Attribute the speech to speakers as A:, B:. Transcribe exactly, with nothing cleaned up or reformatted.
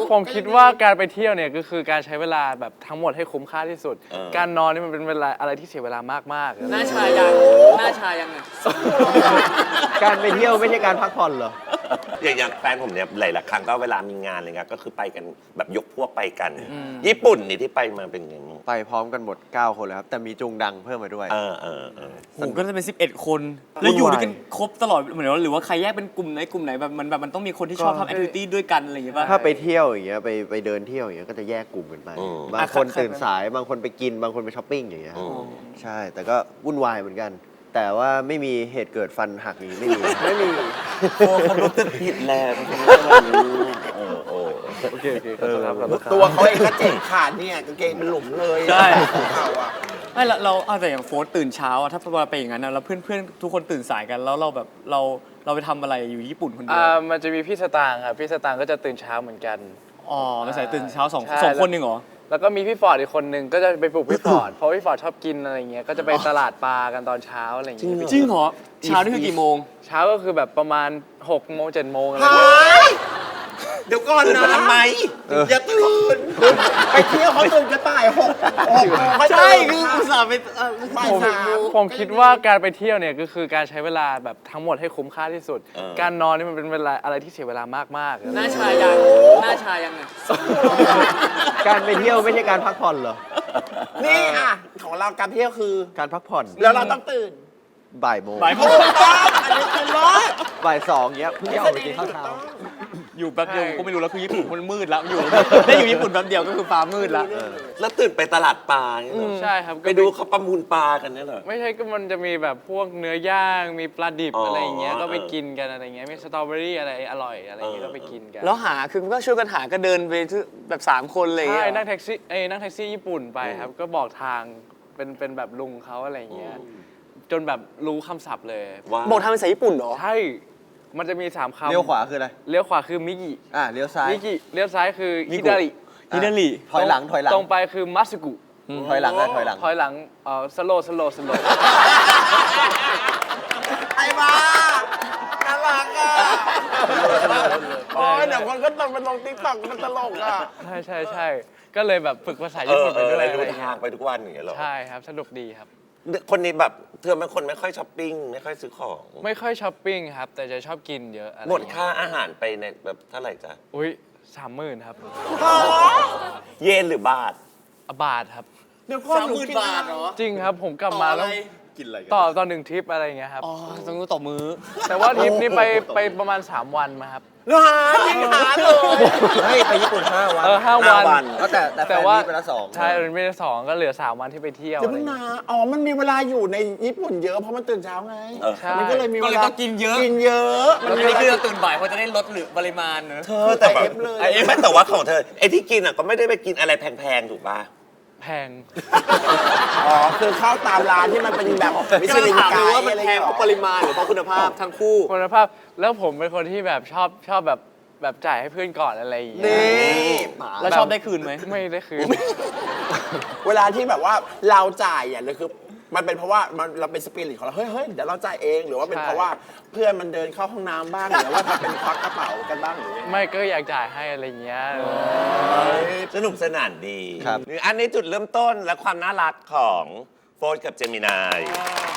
A: ผมคิดว่าการไปเที่ยวเนี่ยก็คือการใช้เวลาแบบทั้งหมดให้คุ้มค่าที่สุดการนอนนี่มันเป็นเวลาอะไรที่เสียเวลามากๆ
B: หน้าชายังหน้าชายังไง
C: การไปเที่ยวไม่ใช่การพักผ่อนเหรอ
D: อย่างอย่างแฟนผมเนี่ยหลายๆครั้งก็เวลามีงานอะไรเงี้ยก็คือไปกันแบบยกพวกไปกันญี่ปุ่นนี่ที่ไปมาเป็นไงบ้าง
C: ไปพร้อมกันหมดเก้าคนเลยครับแต่มีจุงดังเพิ่มมาด้วย
D: เออเออเออ
B: โหก็จะเป็นสิบเอ็ดคนแล้วอยู่ด้วยกันครบตลอดเหมือนว่าหรือว่าใครแยกเป็นกลุ่มไหนกลุ่มไหนแบบมันแบบมันต้องมีคนที่ชอบทำแอคทิวิตี้ด้วยกันอะไรอย่างเงี้ยป่ะ
C: ถ้าไปเที่ยวอย่างเงี้ยไปไปเดินเที่ยวอย่างเงี้ยก็จะแยกกลุ่มกันไปบางคนตื่นสายบางคนไปกินบางคนไปช้อปปิ้งอย่างเงี้ยใช่แต่ก็วุ่นวายเหมือนกันแต่ว่าไม่มีเหตุเกิดฟันหักนี้ไม่มีไม่มี
D: โอ้เขารู้สึกผิดแล้วเออโอ้
A: โอเคโอเคขอโทษครับ
E: ตัวเขาเองก็เจ็บขาดเนี่ยกางเกงเป็นหลุมเลย
B: ใช่ไม่เราเราเอาแต่อย่างโฟร์ตื่นเช้าอะถ้าเราไปอย่างนั้นนะแล้วเพื่อนเพื่อนทุกคนตื่นสายกันแล้วเราแบบเราเราไปทำอะไรอยู่ญี่ปุ่นคนเดียว
A: มันจะมีพี่สตางค์ครับพี่สตางค์ก็จะตื่นเช้าเหมือนกัน
B: อ๋อไม่ใส่ตื่นเช้าสองสองคนหนึ่งเหรอ
A: แล้วก็มีพี่ฟอร์ดอีกคนนึงก็จะไปปลุกพี่ฟอร์ดเพราะพี่ฟอร์ดชอบกินอะไรเงี้ยก็จะไปตลาดปลากันตอนเช้าอะไรเงี้ย
B: จริงเหรอเช้านี่คือกี่โมง
A: เช้าก็คือแบบประมาณหกโมงเจ็ดโมงอะไร
E: เงี้ยเดี๋ยวก่อนนะ
D: ทำไม
E: อย่าตื่นไปเที่ยวเขาตื่นจะตายหกหกโมง
B: ใช่คืออุตส่าห์ไป
A: ผมผมคิดว่าการไปเที่ยวเนี่ยก็คือการใช้เวลาแบบทั้งหมดให้คุ้มค่าที่สุดการนอนนี่มันเป็นเวลาอะไรที่เสียเวลามาก
B: ๆหน้าชายังหน้าชายังไง
C: การไปเที่ยวไม่ใช่การพักผ่อนเหรอ
E: นี่อ่ะของเราการเที่ยวคือ
C: การพักผ่อน
E: แล้วเราต้องตื่น
C: บ่ายโมง
B: บ่ายโมง
E: อันนี้คือรอด
C: บ่ายสองเงี้ยเพิ่งออกไปกินข้าวเช้า
B: อยู่แป๊บเดียวก็ไม่รู้แล้วคือญี่ปุ่นมันมืดแล้วอยู่ได้อยู่ญี่ปุ่นแป๊บเดียวก็คือฟ้ามืดแล้ว
D: แล้วตื่นไปตลาดปลา
A: ใช่ครับ
D: ไปดูเขาประมูลปลากันนี่เหรอ
A: ไม่ใช่ก็มันจะมีแบบพวกเนื้อย่างมีปลาดิบอะไรอย่างเงี้ยก็ไปกินกันอะไรเงี้ยมีสตรอเบอรี่อะไรอร่อยอะไรเงี้ยก็ไปกินกัน
B: แล้วหาคือก็ช่วยกันหาก็เดินไปแบบสามคนเลย
A: ใช่นั่งแท็กซี่เอ้นั่งแท็กซี่ญี่ปุ่นไปครับก็บอกทางเป็นเป็นแบบลุงเขาอะไรเงี้ยจนแบบรู้คำศัพท์เลย
B: บอกทางภาษาญี่ปุ่นเหรอ
A: ใช่มันจะมีสามคำ
C: เลี้ยวขวาคืออะไร
A: เลี้ยวขวาคือมิกิ
C: อ่าเลี้ยวซ้าย
A: มิกิเลี้ยวซ้ายคือฮิดาริ
B: ฮิดาริ
C: ถอยหลังถอยหลัง
A: ตรงไปคือมัตสึกุ
C: ถอยหลังได้ถอยหลัง
A: ถอยหลังเอ่อสโลสโลสโล
E: ไอ้บ้าน่ารักอ่ะโอ้ยเดี๋ยวคนก็ต้องไปลงติ๊กต็อกมันตลกอ่ะ
A: ใช่ใช่ใช่ก็เลยแบบฝึกภาษาญี่ปุ่นไปด้วย
D: รู้ทางไปทุกวันอย่างเงี้ยหรอ
A: ใช่ครับสนุกดีครับ
D: คนนี้แบบเธอเป็นคนไม่ค่อยช้อปปิ้งไม่ค่อยซื้อของ
A: ไม่ค่อยช้อปปิ้งครับแต่จะชอบกินเยอะ
D: หมดค่าอาหารไปในแบบเท่าไหร่จ๊ะ
A: อุ้ยสามหมื่นครับ
D: เยนหรือบาท
A: บาทครับ
E: เดี๋ยวก่อน
B: สามหมื่นบาทเหรอ
A: จริงครับผมกลับมาแล้ว
C: กินอะไร
A: ต่อตอนหนึ่งทริปอะไรอย่างเงี้ยครับ
B: อ๋อต้องต่อมือ
A: แต่ว่าทริปนี้ไปไปประมาณสามวันมาครับ
E: หาจริงหาเลย
C: เฮ้ยไปญี่ปุ่นห้าวัน
A: เออห้าวัน
C: แต่แต่ว่าไปละสอง
A: ใช่ไปละสองก็เหลือสามวันที่ไปเที่ยว
E: เดี๋ยวนะอ๋อมันมีเวลาอยู่ในญี่ปุ่นเยอะเพราะมันตื่นเช้าไงมันก็เลยมีเวลา
B: กินเยอะ
E: กินเยอะ
B: มันนี่คือตื่นบ่ายเพราะจะได้ลดหรือปริมาณเนอะ
D: เธอแต่แบบไอ้ไม่แต่ว่าของเธอไอ้ที่กินอ่ะก็ไม่ได้ไปกินอะไรแพงๆถูกป่ะ
A: แพง
E: อ๋อคือเข้าตามร้านที่มันเป็นแบบ
B: มิชลินไกด์ว่ามันแพงเพราะปริมาณหรือเพราะคุณภาพทั้งคู่
A: คุณภาพแล้วผมเป็นคนที่แบบชอบชอบแบบแบบจ่ายให้เพื่อนก่อนอะไรอย่างเงี้ย
B: นี่แล้วชอบได้คืนไหม
A: ไม่ได้คืน
E: เวลาที่แบบว่าเราจ่ายอ่ะเลยคือมันเป็นเพราะว่ามันเราเป็นสปิริตของเราเฮ้ยเฮ้ยเดี๋ยวเราจ่ายเองหรือว่าเป็นเพราะว่าเพื่อนมันเดินเข้าห้องน้ำบ้างหรือว่าเป็นควักกระเป๋ากันบ้างหรือ
A: ไม่ก็อยากจ่ายให้อะไรเงี้ย
D: สนุกสนานดีอันนี้จุดเริ่มต้นและความน่ารักของโฟร์กับเจมินาย